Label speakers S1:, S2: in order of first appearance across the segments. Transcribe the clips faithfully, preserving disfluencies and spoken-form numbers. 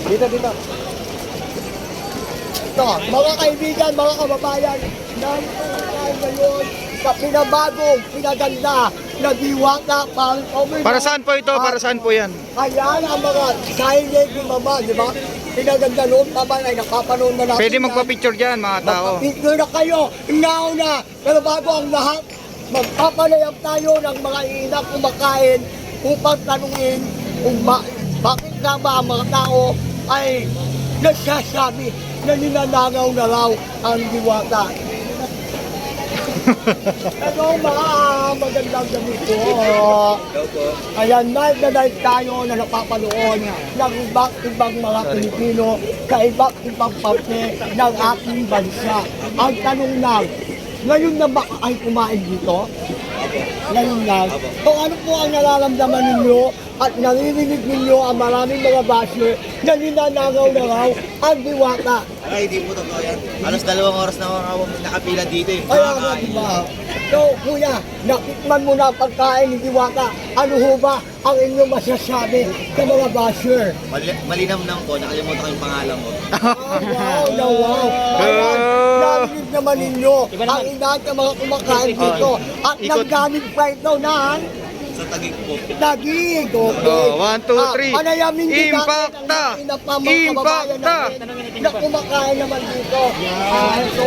S1: Dito, dito. Ito, mga kaibigan, mga kababayan, narito tayo ngayon sa pinabagong, pinaganda na Diwata Pang Over.
S2: Para saan po ito? Para saan po yan?
S1: Ayan ang mga signage ni Mama, di ba? Pinaganda noon pa ba ay nakapanood na natin.
S2: Pwede magpa-picture dyan mga tao.
S1: Magpa-picture na kayo, nauna. Pero bago ang lahat, magpapalayap tayo ng mga ina kumakain upang tanungin kung ba, bakit nga ba ang mga tao ay nagsasabi na ninanagaw na raw ang Diwata. Ano mga magandang gabi po. Ayan, night na night tayo na napapanood ng iba't ibang mga Pilipino sa iba't ibang parte ng ating bansa. Ang tanong lang, ngayon na ba ay kumain dito? Ngayon lang. Kung ano po ang nararamdaman ninyo at naririnig ninyo ang maraming mga basher na ninanagaw na raw ang Diwata.
S3: Ay, hindi po totoo yan. Alas dalawang oras na ako nakapila dito eh.
S1: Kaya nga, diba? So, kuya, natikman mo na ang pagkain ni Diwata. Ano ho ba ang inyong masasabi sa mga basher?
S3: Mali malinam lang po, nakalimutan ko yung pangalan mo.
S1: Oh, wow, na wow. Ayan, narinig naman ninyo ang inaan ng mga kumakain dito. At naggamit pa ito ng
S3: Sa tagig po.
S1: dagig. Okay.
S2: Oh, one, two, three.
S1: Ah, panayamin din natin
S2: Impacta!
S1: ang ina pa mga kababayan
S2: Impacta!
S1: natin na kumakain naman dito. Ah, so,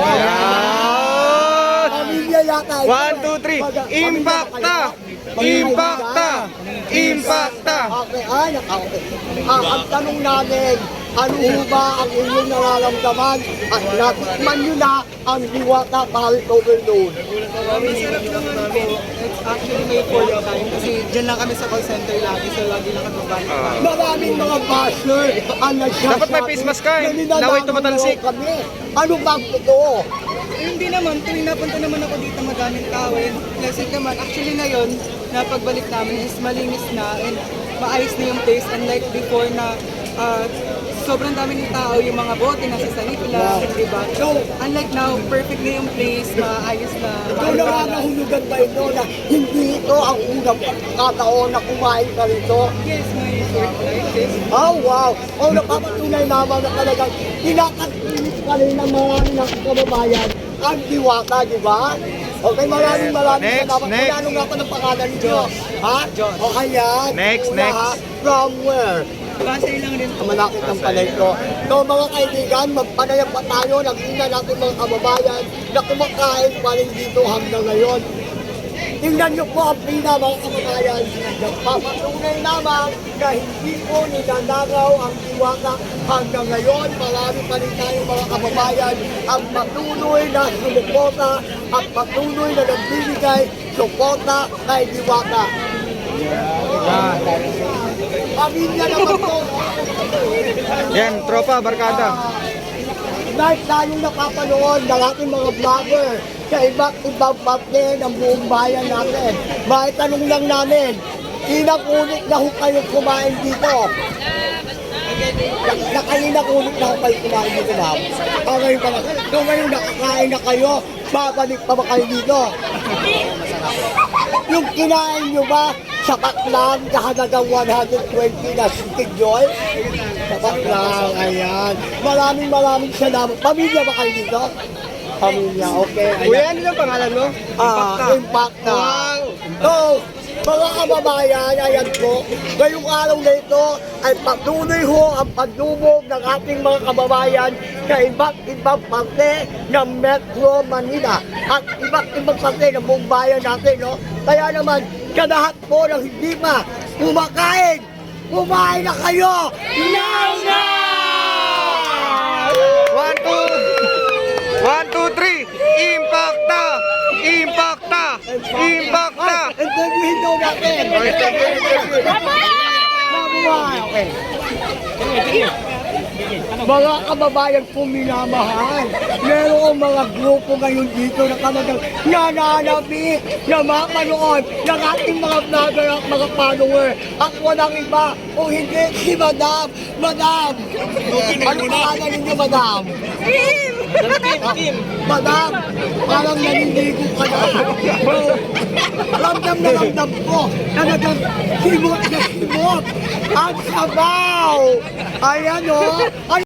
S2: Ayan!
S1: pamilya yata ito.
S2: One, two, three. Impacta! Impacta! Impacta!
S1: Okay, ay, naka-okay. Ah, ang tanong namin, ano ho ba ang inyong nararamdaman at natikman nyo na ang Diwata Parit Overload?
S4: Masarap naman po. It's actually made for your time kasi dyan lang kami sa call center lagi so lagi lang kami babalik.
S1: Maraming mga basher ang nagsasabi.
S2: Dapat may face mask ka eh.
S1: na ninanakaw
S2: Laway tumatalsik.
S1: daw kami. Ano ba ang totoo?
S4: Eh, hindi naman, tuwing napunta naman ako dito magamit tawin. Pleasant naman. Actually ngayon, na pagbalik namin is malinis na and maayos na yung place unlike before na uh, sobrang dami ng tao, yung mga bote nasa sanip lang, di ba? So, unlike now, perfect na yung place, maayos na.
S1: Ikaw na nga nahulugan ba ito na hindi ito ang unang pagkakataon na kumain ka rito?
S4: Yes, my short life is.
S1: Oh, wow! Oh, napapatunay naman na talagang kinakatinis ka rin ng marami ng kababayan ang Diwata, di ba? Okay, maraming maraming
S2: Next,
S1: salamat.
S2: next.
S1: Kung ano nga pa ng pangalan ninyo? Ha? Okay, yan.
S2: Next,
S1: Una,
S2: next.
S1: ha? From where?
S4: Base lang rin po.
S1: Malakit ang palay ko. So mga kaibigan, magpanayam pa tayo ng ina natin mga kababayan na kumakain pa rin dito hanggang ngayon. Tingnan niyo po ang pina mga kababayan. Nagpapatunay naman na hindi po ninanagaw ang Diwata hanggang ngayon. Marami pa rin tayong mga kababayan ang patuloy na sumuporta at patuloy na nagbibigay suporta kay Diwata. Pamilya naman po.
S2: Yan, tropa, barkada.
S1: Dahil tayong napapanood ng ating mga vlogger sa iba't ibang parte ng buong bayan natin. Bakit tanong lang namin, ilang ulit na ho kayo kumain dito? Na- Nakailang ulit na ho kayo kumain dito, ma'am? Ah, ngayon pa lang. So ngayon nakakain na kayo, babalik pa ba kayo dito? Yung kinain nyo ba, sapat lang sa halagang one hundred twenty na stick joy? Sapat lang, ayan. Maraming maraming salamat. Pamilya ba kayo dito? Pamilya, okay.
S2: Kuya, ano yung pangalan mo?
S1: Ah, Impacta. So, mga kababayan, ayan po, ngayong araw na ito ay patuloy ho ang pagdubog ng ating mga kababayan sa iba't ibang parte ng Metro Manila at iba't ibang parte ng buong bayan natin, no? Kaya naman, sa lahat po ng hindi pa kumakain, kumain na kayo! Now na!
S2: One, two, one, two, three. Impacta! Impacta! Impacta!
S1: Interviewin daw natin! Mabuhay! Okay. Mga kababayan po minamahal, merong mga grupo ngayon dito na talagang nananabi na mapanood ng ating mga vlogger at mga follower at walang iba o hindi si Madam! Madam! Ano pangalan ninyo, Madam?
S4: Kim!
S1: Madam, parang naninigo ka na. Bro, ramdam na ramdam ko. Talagang simot na simot. Ang sabaw. Ayan o.